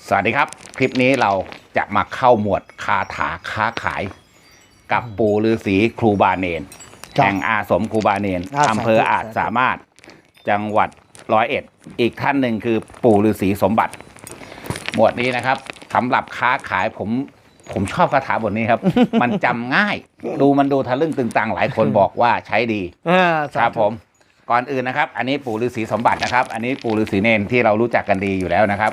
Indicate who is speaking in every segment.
Speaker 1: สวัสดีครับคลิปนี้เราจะมาเข้าหมวดคาถาค้าขายกับปู่ฤาษีครูบาเนนแห่งอาสมครูบาเนนอำเภออาจสามารถจังหวัด101อีกท่านหนึ่งคือปู่ฤาษีสมบัติหมวดนี้นะครับสำหรับค้าขายผมชอบคาถาบทนี้ครับ มันจำง่ายมันดูทะลึ่งตึงตังหลายคนบอกว่าใช้ดีครับผมก่อนอื่นนะครับอันนี้ปู่ฤาษีสมบัตินะครับอันนี้ปู่ฤาษีเนนที่เรารู้จักกันดีอยู่แล้วนะครับ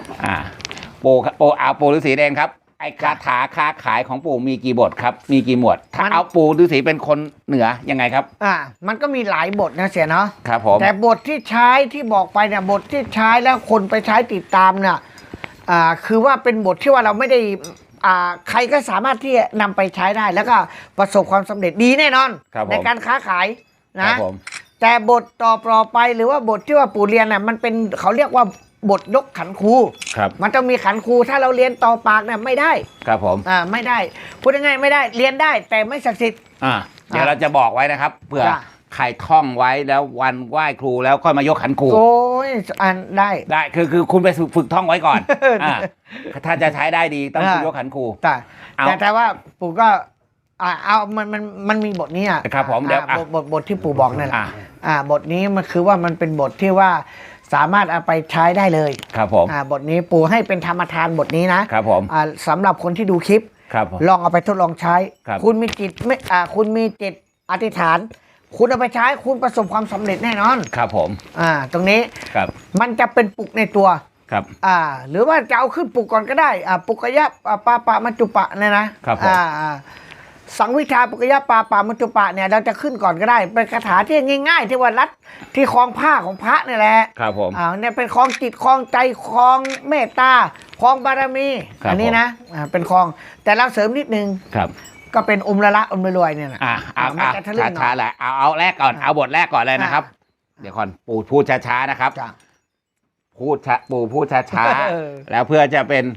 Speaker 1: ปู่ฤาษีเนนครับไอ้คาถาค้าขายของปู่มีกี่บทครับมีกี่หมวดถ้าเอาปู่ฤาษีเป็นคนเหนือยังไงครับ
Speaker 2: มันก็มีหลายบทนะเสียเนาะ
Speaker 1: ครับผม
Speaker 2: แต่บทที่ใช้ที่บอกไปเนี่ยบทที่ใช้แล้วคนไปใช้ติดตามเนี่ยคือว่าเป็นบทที่ว่าเราไม่ได้ใครก็สามารถที่จะนำไปใช้ได้แล้วก็ประสบความสำเร็จดีแน่นอนในการค้าขายนะแต่บทต่อไปหรือว่าบทที่ว่าปู่เรียนน่ะมันเป็นเขาเรียกว่าบทยกขันครูมันต้องมีขันครูถ้าเราเรียนต่อปากเนี่ยไม่ได้
Speaker 1: ครับผม
Speaker 2: ไม่ได้พูดง่ายๆไม่ได้เรียนได้แต่ไม่ศักดิ์สิทธิ์
Speaker 1: เดี๋ยวเราจะบอกไว้นะครับเพื่อใครท่องไว้แล้ววันไหว้ครูแล้วค่อยมายกขันครู
Speaker 2: โอ้ยได้
Speaker 1: คือคุณไปฝึกท่องไว้ก่อนถ้าจะใช้ได้ดีต้องยกขันครู
Speaker 2: แต่ว่าปู่ก็เอามันมีบทนี้
Speaker 1: ครับผมเดี๋ยว
Speaker 2: บทที่ปู่บอกนั่นแหละบทนี้มันคือว่ามันเป็นบทที่ว่าสามารถเอาไปใช้ได้เลย
Speaker 1: ครับผม
Speaker 2: บทนี้ปู่ให้เป็นธรรมทานบทนี้นะครับ
Speaker 1: ผม
Speaker 2: สำหรับคนที่ดูคลิปลองเอาไปทดลองใช้คุณมีจิตไม่คุณมีจิตอธิษฐานคุณเอาไปใช้คุณประสบความสำเร็จแน่นอน
Speaker 1: ครับผม
Speaker 2: ตรงนี้มันจะเป็นปุกในตัว
Speaker 1: ครับ
Speaker 2: หรือว่าจะเอาขึ้นปุกก่อนก็ได้ปุกยะปะมัจจุปะเนี่ยนะครับสังวิชาปุกยะปะมัจจุปะเนี่ยเราจะขึ้นก่อนก็ได้เป็นคาถาที่ง่ายๆที่ว่ารัดที่คล้องผ้าของพระนี่แหละ
Speaker 1: ครับผม
Speaker 2: เนี่ยเป็นคล้องจิตคล้องใจคล้องเมตตาคล้องบารมีอันนี้นะเป็นคล้องแต่เราเสริมนิดนึง
Speaker 1: ครับ
Speaker 2: ก็เป็นอมละรวยเนี่ยนะ
Speaker 1: มันจะทะลึ่งหน่อยแหละเอาแรกก่อนเอาบทแรกก่อนเลยนะครับเดี๋ยวก่อนปู่พูดช้าๆนะครับปู่พูดช้าๆแล้วเพื่อจะเป็น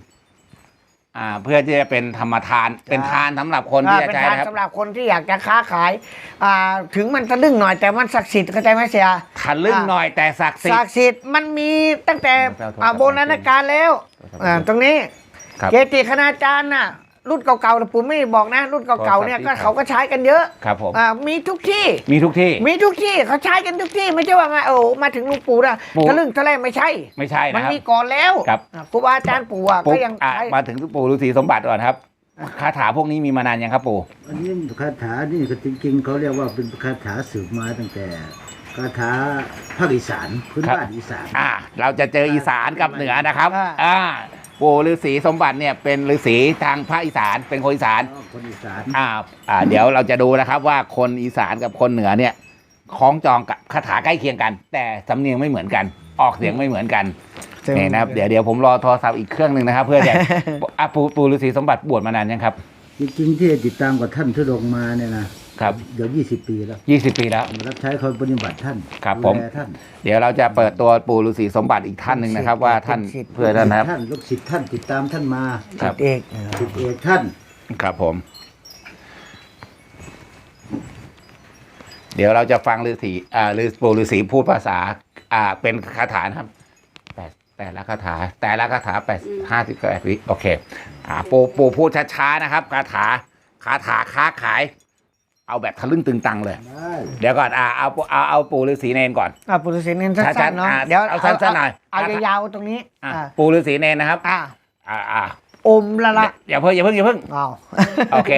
Speaker 1: ธรรมทานเป็นทานสำหรับคนที่จะใช้นะครับ
Speaker 2: สำหรับคนที่อยากจะค้าขายถึงมันทะลึ่งหน่อยแต่มันศักดิ์สิทธิ์เข้าใจไหมเสีย
Speaker 1: ทะลึ่งหน่อยแต่ศักดิ์
Speaker 2: สิทธิ์มันมีตั้งแต่โบราณกาลแล้วตรงนี้เกจิคณาจารย์น่ะรุ่นเก่าๆปู่ไม่บอกนะรุ่นเก่าๆเนี่ยก็เขาก็ใช้กันเยอะ
Speaker 1: ครับผม
Speaker 2: มีทุกที่เขาใช้กันทุกที่ไม่ใช่ว่ามาถึงลุงปู่นะทะลึ่งทะเลไม่ใช่มันมีก่อนแล้วครูบาอาจารย์ปู่ก็ยังใช้
Speaker 1: มาถึงปู่ฤาษีสมบัติก่อนครับคาถาพวกนี้มีมานานยังครับปู่
Speaker 3: อันนี้คาถานี่จริงๆเขาเรียกว่าเป็นคาถาสืบมาตั้งแต่คาถาภาคอีสานพื้นบ้านอีสาน
Speaker 1: เราจะเจออีสานกับเหนือนะครับปู่ฤาษีสมบัติเนี่ยเป็นฤาษีทางภาคอีสานเป็นคนอีสานเดี๋ยวเราจะดูนะครับว่าคนอีสานกับคนเหนือเนี่ยคล้องจองกับคาถาใกล้เคียงกันแต่สำเนียงไม่เหมือนกันออกเสียงไม่เหมือนกันนี่นะครับเดี๋ยวผมรอโทรศัพท์อีกเครื่องหนึ่งนะครับเพื่อจะปู่ฤาษีสมบัติบวชมานานยังครับ
Speaker 3: จริงๆที่ติดตามกับท่านทุดงมาเนี่ยนะครับเดี๋ยว20 ปีแล้ว
Speaker 1: 20 ปีแล้ว
Speaker 3: รับใช้คอยปฏิบัติท่าน
Speaker 1: ครับผมเดี๋ยวเราจะเปิดตัวปู่ฤาษีสมบัติอีกท่านหนึ่งนะครับว่าท่านเพื่อท่านนะครับ
Speaker 3: ท่านลูกศิษย์ท่านติดตามท่านมา
Speaker 2: ศิษย์เอก
Speaker 3: ท่าน
Speaker 1: ครับผมเดี๋ยวเราจะฟังฤาษีปู่ฤาษีพูดภาษาเป็นคาถาครับแต่ละคาถา58 วิโอเคปู่พูดช้าๆนะครับคาถาค้าขายเอาแบบทะลึ่งตึงตังเลยเดี๋ยวก่อนเอาปู่ฤาษีเนนก่อน
Speaker 2: ปู่ฤาษีเนนสั้นๆเนาะเดี๋ยว
Speaker 1: เอาสั้นๆหน่อย
Speaker 2: เอายาวๆตรงนี้
Speaker 1: ปู่ฤาษีเนนนะครับ
Speaker 2: อมละ
Speaker 1: อย่าเพิ่งโอเค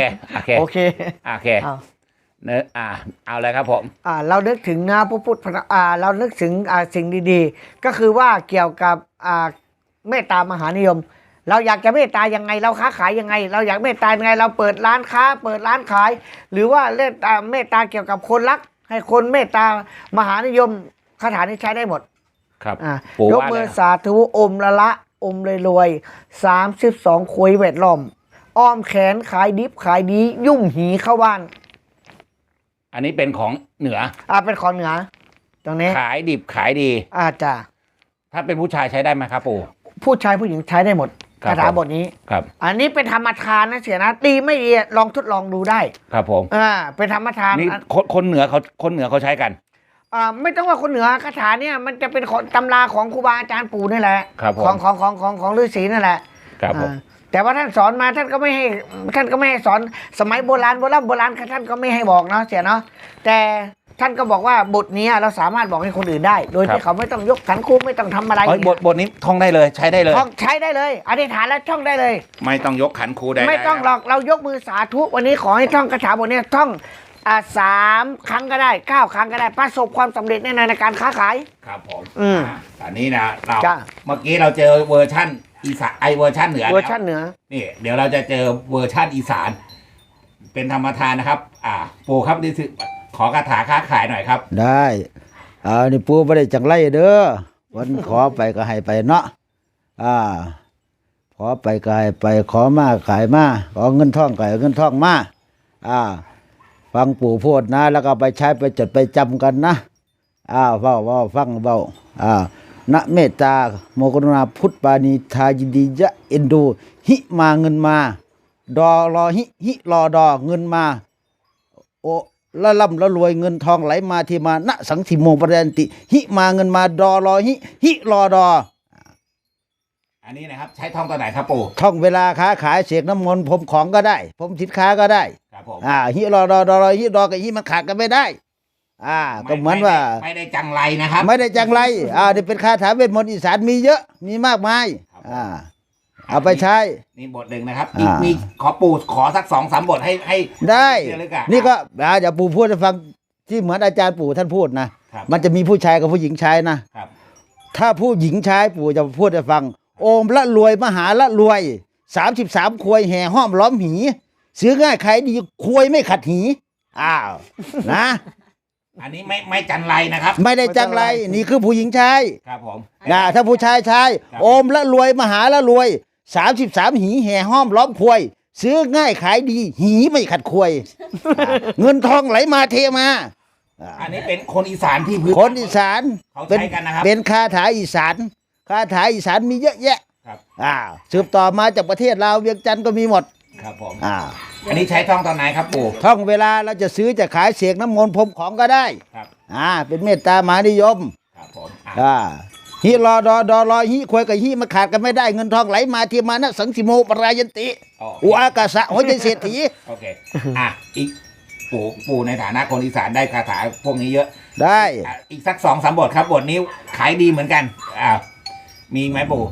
Speaker 1: เนื้อเอาเลยครับผม
Speaker 2: เรานึกถึงนะพระพุทธเรานึกถึงสิ่งดีๆก็คือว่าเกี่ยวกับเมตตามหานิยมเราอยากจะเมตตายังไงเราค้าขายยังไงเราอยากเมตตายังไงเราเปิดร้านค้าเปิดร้านขายหรือว่าเล่นเมตตาเกี่ยวกับคนรักให้คนเมตตามหานิยมคาถานี้ใช้ได้หมด
Speaker 1: ครับ
Speaker 2: ยกมือสาธุอมละอมรวย32คุยเวทล้อมอ้อมแขนขายดิบขายดียุ่งหีเข้าบ้าน
Speaker 1: อันนี้เป็นของเหนือ
Speaker 2: เป็นของเหนือตรงนี้
Speaker 1: ขายดิบขายดี
Speaker 2: จ้ะ
Speaker 1: ถ้าเป็นผู้ชายใช้ได้ไหมครับปู่
Speaker 2: ผู้ชายผู้หญิงใช้ได้หมดคาถาบทนี้
Speaker 1: ครับ
Speaker 2: อันนี้เป็นธรรมทานนะเสียนะดีไม่ดีลองทดลองดูได้
Speaker 1: ครับผม
Speaker 2: เป็นธรรมทาน
Speaker 1: นี่คนเหนือเขาใช้กัน
Speaker 2: ไม่ต้องว่าคนเหนือคาถาเนี่ยมันจะเป็นของตำราของครูบาอาจารย์ปู่นี่แหละ
Speaker 1: ครับผม
Speaker 2: ของฤาษีนั่นแหละ
Speaker 1: ครับผม
Speaker 2: แต่ว่าท่านสอนมาท่านก็ไม่ให้สอนสมัยโบราณท่านก็ไม่ให้บอกเนาะเสียเนาะแต่ท่านก็บอกว่าบทนี้เราสามารถบอกให้คนอื่นได้ โดยที่เขาไม่ต้องยกขันครูไม่ต้องทำอะไร
Speaker 1: บทนี้ท่องได้เลยใช้ได้เลย
Speaker 2: ท่องใช้ได้เลยอธิษฐานแล้วท่องได้เลย
Speaker 1: ไม่ต้องยกขันครูได้
Speaker 2: ไม่ต้องหรอกเรายกมือสาธุวันนี้ขอให้ท่องคาถาบทนี้ท่อง3 ครั้งก็ได้9 ครั้งก็ได้ประสบความสำเร็จแน่นอนในการค้าขาย
Speaker 1: ครับผม
Speaker 2: อ่า
Speaker 1: อันนี้นะเรา
Speaker 2: จ้ะ
Speaker 1: เมื่อกี้เราเจอเวอร์ชั่นอีสานเวอร์ชั่นเหนือ
Speaker 2: เวอร์ชันเหนือ
Speaker 1: นี่เดี๋ยวเราจะเจอเวอร์ชั่นอีสาน เป็นธรรมทานนะครับ ปู่ครับนี่คือขอคาถาค้าขายหน่อยครับ
Speaker 3: ได้นี่ปูไม่ได้จังไรเด้อวันขอไปก็ให้ไปเนาะขอไปก็ให้ไปขอมาขายมาขอเงินท่องก็ให้เงินท่องมาฟังปู่พูดนะ แล้วก็ไปใช้ไปจดไปจำกันนะเว้าฟังเว้านะเมตตาโมกรุณาพุทธปานีทายินดียะเอ็นดูหิมาเงินมาดอรอหิรอดอเงินมาโอละล่ำละรวยเงินทองไหลมาที่มาณสังสิโมปรยันติหิมาเงินมาดอรอหิรอดอ
Speaker 1: อันนี้นะครับ ใช้ท่องตัวไหนครับปู่
Speaker 3: ท่องเวลาค้าขายเสกน้ำมนต์ผมของก็ได้ผมสินค้าก็ได้
Speaker 1: ครับผม
Speaker 3: หิรอดอดอรอหิรอกับหิมันขาดกันไม่ได้ก็เหมือนว่า
Speaker 1: ไม่ได้จังไรนะครับ
Speaker 3: ไม่ได้จังไรนี่เป็นคาถาเวทมนต์อีสานมีเยอะมีมากมายเอาไปใช้
Speaker 1: นี่บทหนึ่งนะครับอีกมีขอปู่ขอสัก2-3 บทให้
Speaker 3: ได้
Speaker 1: เชื่อเลยกัน
Speaker 3: นี่ก็เดี๋ยวปู่พูดให้ฟังที่เหมือนอาจารย์ปู่ท่านพูดนะครับ มันจะมีผู้ชายกับผู้หญิงใช้นะครับ ถ้าผู้หญิงใช้ปู่จะพูดให้ฟัง โอมละรวยมหาละรวย33 ควยแห่ห้อมล้อมหีซื้อง่ายขายดีควยไม่ขัดหีนะ
Speaker 1: อันนี้ไม่จันไรนะครับ
Speaker 3: ไม่ได้จังไรนี่คือผู้หญิงใช้
Speaker 1: ครับผม
Speaker 3: ถ้าผู้ชายใช้
Speaker 1: ครับ
Speaker 3: โอมละรวยมหาละรวย33 หีแห่ห้อมล้อมควยซื้อง่ายขายดีหีไม่ขัดควย เงินทองไหลมาเทมา
Speaker 1: อันนี้เป็นคนอีสานที่พื้น
Speaker 3: คนอีสาน
Speaker 1: เขาใช้กันนะครับ
Speaker 3: เป็นคาถาอีสานคาถาอีสานมีเยอะแยะ
Speaker 1: ครับ
Speaker 3: สืบต่อมาจากประเทศลาวเวียงจันทร์ก็มีหมด
Speaker 1: ครับผมอันนี้ใช้ท่องตอนไหนครับปู่
Speaker 3: ท่องเวลาเราจะซื้อจะขายเสกน้ำมนต์พรมของก็ได้
Speaker 1: ครับ
Speaker 3: เป็นเมตตามหานิยม
Speaker 1: ครับผม
Speaker 3: ฮิรอดอรอฮิควยกับฮิมาขาดกันไม่ได้เงินทองไหลมาที่มานะสังสิโมปรายันติอุอากาสะหัวใจเศรษฐี
Speaker 1: โอเคอีกปู่ในฐานะคนอีสานได้คาถาพวกนี้เยอะ
Speaker 3: ได้
Speaker 1: อีกสัก2-3 บทครับบทนี้ขายดีเหมือนกันมีไหมปู่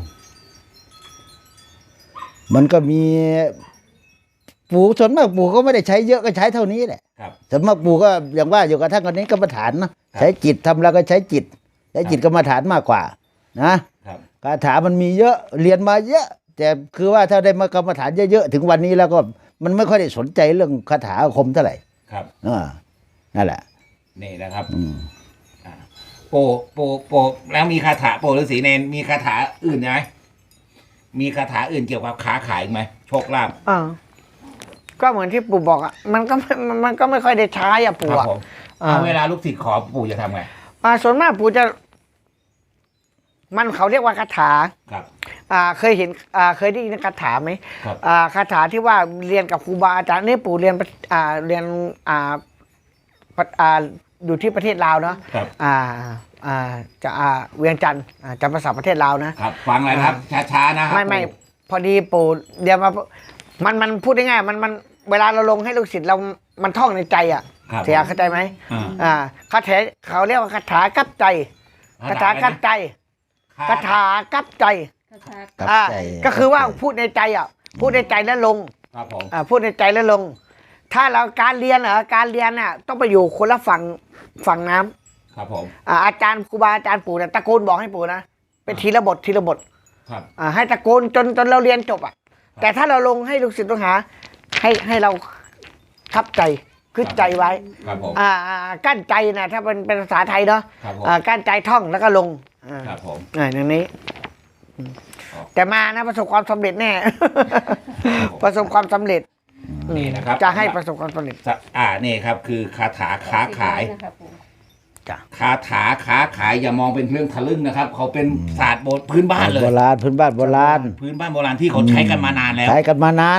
Speaker 3: มันก็มีปู่ส่วนมากปู่ก็ไม่ได้ใช้เยอะก็ใช้เท่านี้แหละ
Speaker 1: ครับ
Speaker 3: ส่วนมากปู่ก็อย่างว่าอยู่กับท่านคนนี้กรรมฐานนะใช้จิตทำแล้วก็ใช้จิตใช้จิตกรรมฐานมากกว่านะครับ คาถามันมีเยอะเรียนมาเยอะ แต่คือว่าถ้าได้มากรรมฐานเยอะๆถึงวันนี้แล้วก็มันไม่ค่อยได้สนใจเรื่องคาถาอาคมเท่าไหร่
Speaker 1: ครับ
Speaker 3: นั่นแหละ
Speaker 1: นี่นะครับปู่แล้วมีคาถาปู่ฤาษีเนนมีคาถาอื่นไหมมีคาถาอื่นเกี่ยวกับค้าขายไหมโชคลาภ
Speaker 2: ก็เหมือนที่ปู่บอกมันก็ไม่ค่อยได้ใช้ปู่
Speaker 1: ครับผมเวลาลูกศิษย์ขอปู่จะทำไง
Speaker 2: ส่วนมากปู่จะมันเขาเรียกว่าคาถา
Speaker 1: ครับ
Speaker 2: เคยเห็นเคยได้ยินคาถาไหม
Speaker 1: ครับ
Speaker 2: คาถาที่ว่าเรียนกับครูบาอาจารย์นี่ปู่เรียนอยู่ที่ประเทศลาวเนาะ
Speaker 1: ครับ
Speaker 2: จะเวียงจันทร์จำภาษาประเทศลาวนะครับ
Speaker 1: ฟังเลยนะครับช้าๆนะครับ
Speaker 2: ไม่พอดีปู่เรียนมามันพูดง่ายๆมันเวลาเราลงให้ลูกศิษย์เรามันท่องในใจ
Speaker 1: ครับ
Speaker 2: เสียเข้าใจไหมคาถาเขาเรียกว่าคาถากับใจคาถากับใจคาถากับใจ
Speaker 3: กับใจ
Speaker 2: ก็คือว่าพูดในใจพูดในใจแล้วลง
Speaker 1: ครับผม
Speaker 2: พูดในใจแล้วลง ถ้าเราการเรียนการเรียนต้องไปอยู่คนละฝั่งน้ำ
Speaker 1: ครับผม
Speaker 2: อาจารย์ครูบาอาจารย์ปู่ตะโกนบอกให้ปู่นะเป็นทีละบท
Speaker 1: ครับ
Speaker 2: ให้ตะโกนจนเราเรียนจบแต่ถ้าเราลงให้ลูกศิษย์ลูกหาให้เราทับใจคือใจไว้
Speaker 1: ครับผม
Speaker 2: กั้นใจนะถ้าเป็นภาษาไทยเนาะ
Speaker 1: ครับผม
Speaker 2: กั้นใจท่องแล้วก็ลง
Speaker 1: ครับผม
Speaker 2: อย่างนี้ แต่มานะประสบความสำเร็จแน่ ประสบความสำเร็จ
Speaker 1: นี่นะครับ
Speaker 2: จะให้ประสบความสำเร็จ
Speaker 1: นี่ครับคือคาถาค้าขาย
Speaker 2: จ้ะ
Speaker 1: คาถาค้าขายอย่ามองเป็นเรื่องทะลึ่งนะครับ เขาเป็นศาสตร์พื้นบ้านเลย
Speaker 3: โบราณพื้นบ้านโบราณ
Speaker 1: พื้นบ้านโบราณที่เขาใช้กันมานานแล้ว
Speaker 3: ใช้กันมานาน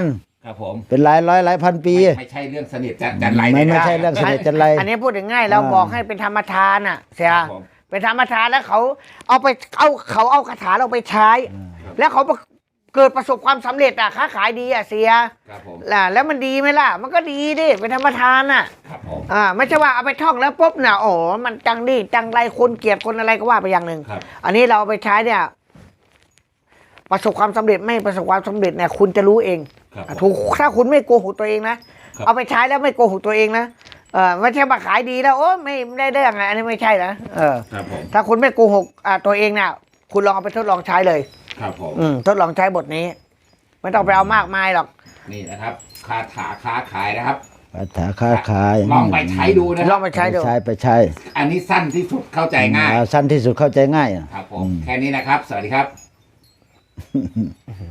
Speaker 1: ครับผม
Speaker 3: เป็นหลายร้อยหลายพันปี
Speaker 1: ไม่ใช่เรื่องสนิทจันไร
Speaker 3: ไม่ใช่เรื่องสนิทจันไร
Speaker 2: อันนี้พูดง่ายๆเราบอกให้เป็นธรรมทานอ่ะเสีย
Speaker 1: ครับผม
Speaker 2: เป็นธรรมทานแล้วเขาเอาคาถาเราไปใช้ แล้วเขาเกิดประสบความสำเร็จอ่ะค้าขายดีอ่ะเสีย
Speaker 1: ครับผม
Speaker 2: แล้วมันดีไหมล่ะ มันก็ดีดิเป็นธรรมทานอ่ะ
Speaker 1: ครับผม
Speaker 2: ไม่ใช่ว่าเอาไปท่องแล้วปุ๊บน่ะโอ้มันจังดีจังไรคนเกลียดคนอะไรก็ว่าไปอย่างหนึ่ง
Speaker 1: ครับ
Speaker 2: อันนี้เราเอาไปใช้เนี่ย ประสบความสำเร็จไม่ประสบความสำเร็จเนี่ยคุณจะรู้เอง
Speaker 1: ครับผม
Speaker 2: ถูกถ้าคุณไม่โกหกตัวเองนะครับ เอาไปใช้แล้วไม่โกหกตัวเองนะไม่ใช่มาขายดีแล้วโอ้ไม่ได้เรื่องไงอันนี้ไม่ใช่นะ
Speaker 1: ครับผม
Speaker 2: ถ้าคุณไม่โกหกตัวเองน่ะ คุณลองเอาไปทดลองใช้เลย
Speaker 1: ครับผม
Speaker 2: ทดลองใช้บทนี้ ไม่ต้องไปเอามากมายหรอก
Speaker 1: นี่นะครับคาถาค้าขายนะครับ
Speaker 3: คาถาค้าขาย
Speaker 1: ลองไปใช้ดูนะค
Speaker 2: ล
Speaker 1: รั
Speaker 2: อบ งไปใช้ดู
Speaker 3: ไปใช้
Speaker 1: อันนี้สั้นที่สุดเข้าใจง่าย
Speaker 3: สั้นที่สุดเข้าใจง่าย
Speaker 1: ครับผม แค่นี้นะครับ สวัสดีครับ